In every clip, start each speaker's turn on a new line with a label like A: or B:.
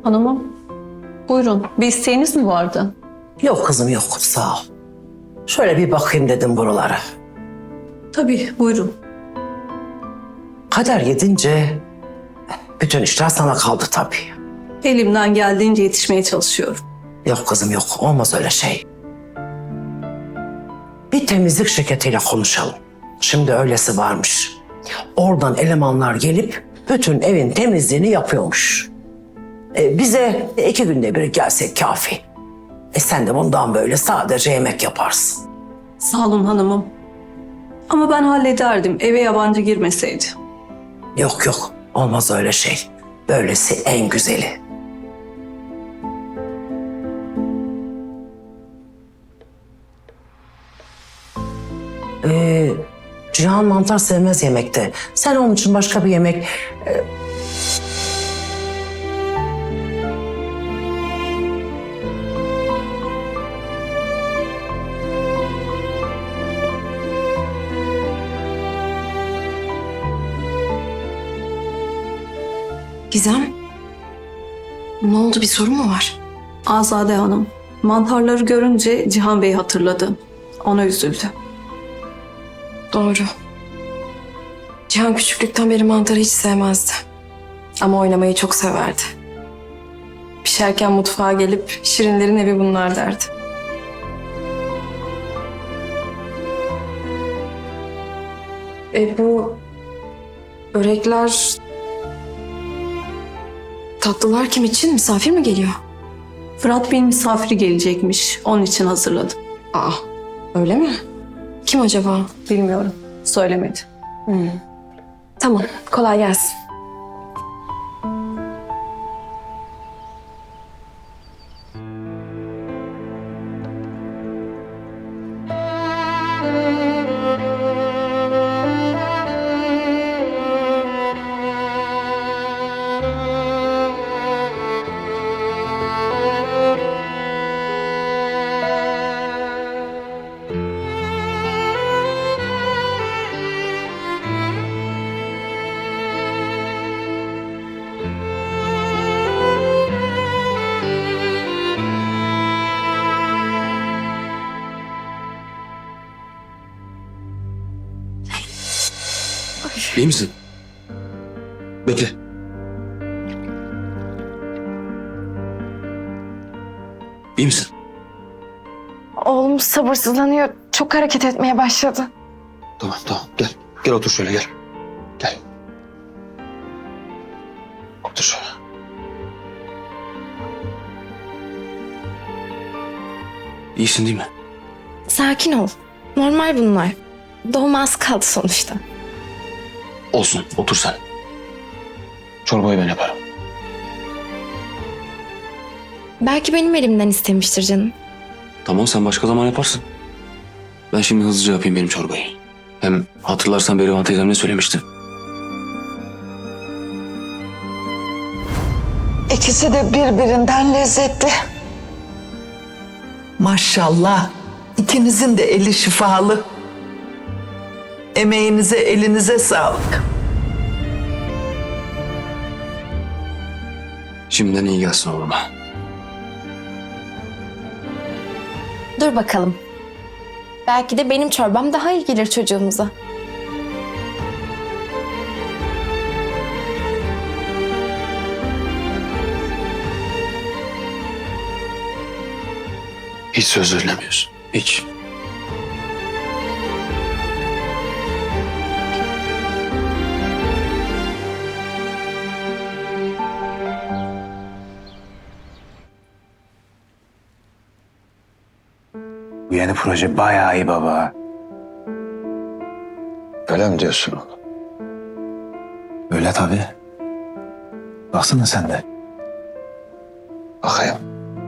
A: Hanımım, buyurun. Bir isteğiniz mi vardı?
B: Yok kızım yok, sağ ol. Şöyle bir bakayım dedim buralara.
A: Tabii, buyurun.
B: Kader gidince bütün işler sana kaldı tabii.
A: Elimden geldiğince yetişmeye çalışıyorum.
B: Yok kızım yok, olmaz öyle şey. Bir temizlik şirketiyle konuşalım. Şimdi öylesi varmış. Oradan elemanlar gelip bütün evin temizliğini yapıyormuş. Bize 2 günde bir gelsek kafi. Sen de bundan böyle sadece yemek yaparsın.
A: Sağ olun hanımım. Ama ben hallederdim eve yabancı girmeseydi.
B: Yok yok, olmaz öyle şey. Böylesi en güzeli. Cihan mantar sevmez yemekte. Sen onun için başka bir yemek...
C: Gizem, ne oldu, bir sorun mu var?
A: Azade Hanım, mantarları görünce Cihan Bey'i hatırladı. Ona üzüldü.
C: Doğru. Cihan küçüklükten beri mantarı hiç sevmezdi. Ama oynamayı çok severdi. Pişerken mutfağa gelip Şirinlerin evi bunlar derdi. Bu börekler, tatlılar kim için? Misafir mi geliyor?
A: Fırat Bey'in misafiri gelecekmiş. Onun için hazırladım.
C: Aa, öyle mi? Kim acaba?
A: Bilmiyorum. Söylemedi.
C: Tamam, kolay gelsin.
D: İyi misin? Bekle. İyi misin?
E: Oğlum sabırsızlanıyor. Çok hareket etmeye başladı.
D: Tamam tamam gel. Gel otur şöyle gel. Gel. Otur şöyle. İyisin değil mi?
E: Sakin ol. Normal bunlar. Doğuma az kaldı sonuçta.
D: Olsun otur sen. Çorbayı ben yaparım.
E: Belki benim elimden istemiştir canım.
D: Tamam sen başka zaman yaparsın. Ben şimdi hızlıca yapayım benim çorbayı. Hem hatırlarsan Berivan teyzem ne söylemişti?
F: İkisi de birbirinden lezzetli. Maşallah. İkinizin de eli şifalı. Emeğinize, elinize sağlık.
D: Şimdiden iyi gelsin oğluma.
E: Dur bakalım. Belki de benim çorbam daha iyi gelir çocuğumuza.
D: Hiç söz veremiyorsun. Hiç.
G: Bu yeni proje bayağı iyi baba.
D: Öyle mi diyorsun oğlum?
G: Öyle tabii. Baksana sen de.
D: Bakayım.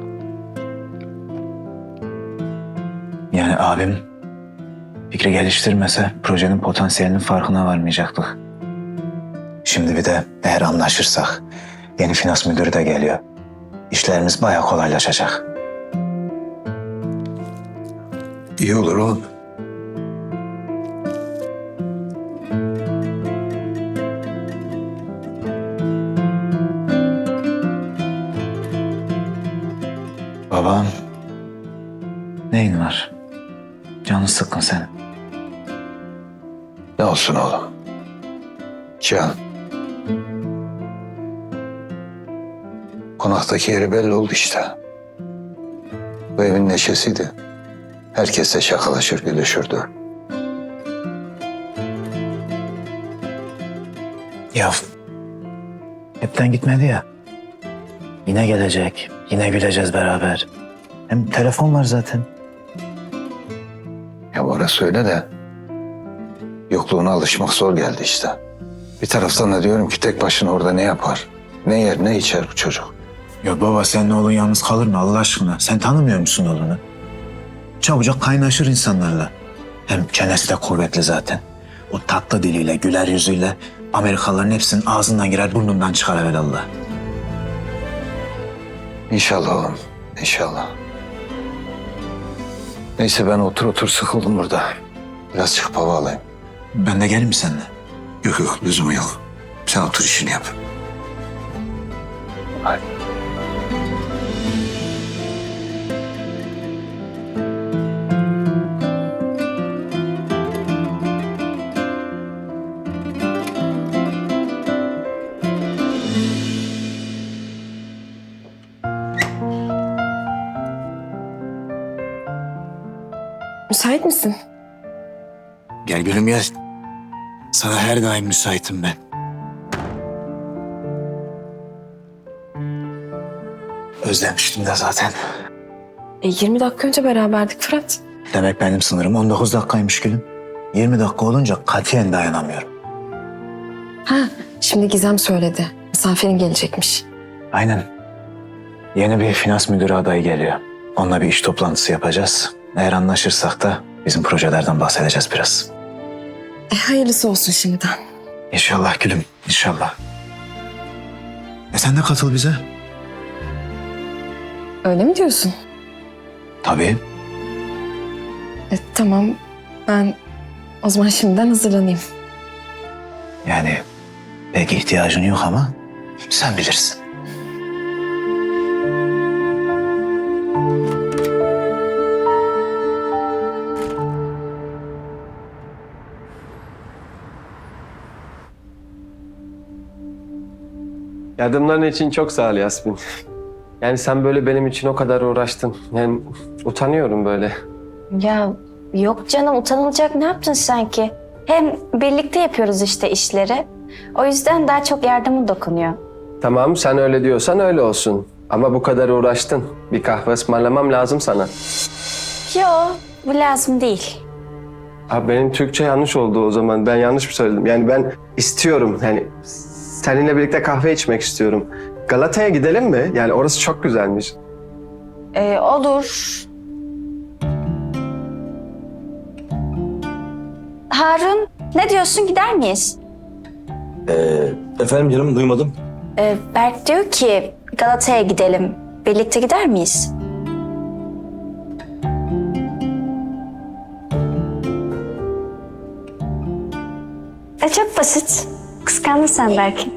G: Yani abim fikri geliştirmese projenin potansiyelinin farkına varmayacaktık. Şimdi bir de eğer anlaşırsak yeni finans müdürü de geliyor. İşlerimiz bayağı kolaylaşacak.
D: İyi olur oğlum.
G: Babam, neyin var? Canın sıkkın senin.
H: Ne olsun oğlum? Cihan. Konaktaki yeri belli oldu işte. Bu evin neşesiydi. Herkesle şakalaşır, gülüşürdü.
G: Ya hepten gitmedi ya. Yine gelecek, yine güleceğiz beraber. Hem telefon var zaten.
H: Ya orası öyle de yokluğuna alışmak zor geldi işte. Bir taraftan da diyorum ki tek başına orada ne yapar? Ne yer, ne içer bu çocuk?
G: Ya baba senin oğlun yalnız kalır mı Allah aşkına? Sen tanımıyor musun oğlunu? Çabucak kaynaşır insanlarla. Hem çenesi de kuvvetli zaten. O tatlı diliyle, güler yüzüyle Amerikalıların hepsinin ağzından girer, burnundan çıkar evvelallah.
H: İnşallah oğlum, inşallah. Neyse ben otur sıkıldım burada. Biraz çıkıp hava alayım.
G: Ben de geleyim mi seninle?
H: Yok, lüzumu yok. Sen otur işini yap. Hadi.
C: Müsait misin?
G: Gel gülüm gel. Sana her daim müsaitim ben. Özlemiştim de zaten.
C: 20 dakika önce beraberdik Fırat.
G: Demek benim sınırım 19 dakikaymış gülüm. 20 dakika olunca katiyen dayanamıyorum.
C: Ha, şimdi Gizem söyledi. Misafirin gelecekmiş.
G: Aynen. Yeni bir finans müdürü adayı geliyor. Onunla bir iş toplantısı yapacağız. Eğer anlaşırsak da bizim projelerden bahsedeceğiz biraz.
C: Hayırlısı olsun şimdiden.
G: İnşallah gülüm, inşallah. Sen de katıl bize.
C: Öyle mi diyorsun?
G: Tabii.
C: Tamam. Ben o zaman şimdiden hazırlanayım.
G: Yani pek ihtiyacın yok ama sen bilirsin.
I: Yardımların için çok sağ ol Yasmin. Yani sen böyle benim için o kadar uğraştın. Yani utanıyorum böyle.
J: Ya yok canım, utanılacak ne yaptın sanki? Hem birlikte yapıyoruz işte işleri. O yüzden daha çok yardımı dokunuyor.
I: Tamam sen öyle diyorsan öyle olsun. Ama bu kadar uğraştın. Bir kahve ısmarlamam lazım sana.
J: Yo, bu lazım değil.
I: Abi benim Türkçe yanlış oldu o zaman. Ben yanlış mı söyledim? Yani ben istiyorum. Yani seninle birlikte kahve içmek istiyorum. Galata'ya gidelim mi? Yani orası çok güzelmiş.
J: Olur. Harun, ne diyorsun, gider miyiz?
D: Efendim canım duymadım.
J: Berk diyor ki Galata'ya gidelim. Birlikte gider miyiz? Çok basit. Kıskandın sen belki.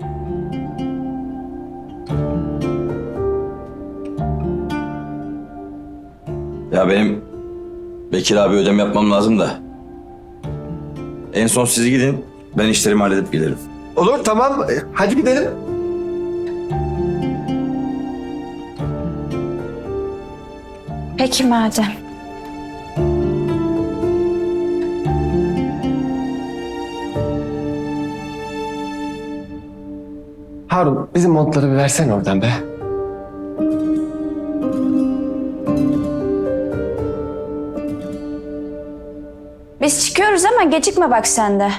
K: Ya benim Bekir abi ödem yapmam lazım da. En son siz gidin, ben işlerimi halledip gelirim.
I: Olur tamam. Hadi gidelim.
J: Peki madem.
I: Harun bizim montları bir versene oradan be.
J: Biz çıkıyoruz ama gecikme bak sen de.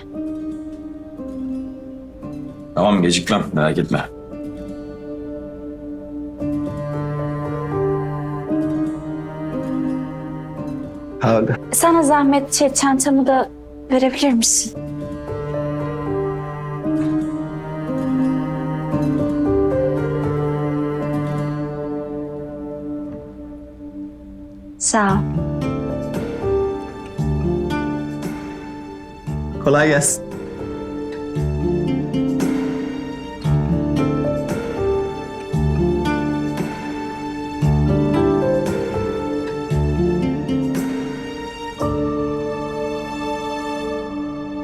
K: Tamam gecikmem, merak etme.
I: Harun.
J: Sana zahmet çantamı da verebilir misin? Sağ ol.
I: Kolay gelsin.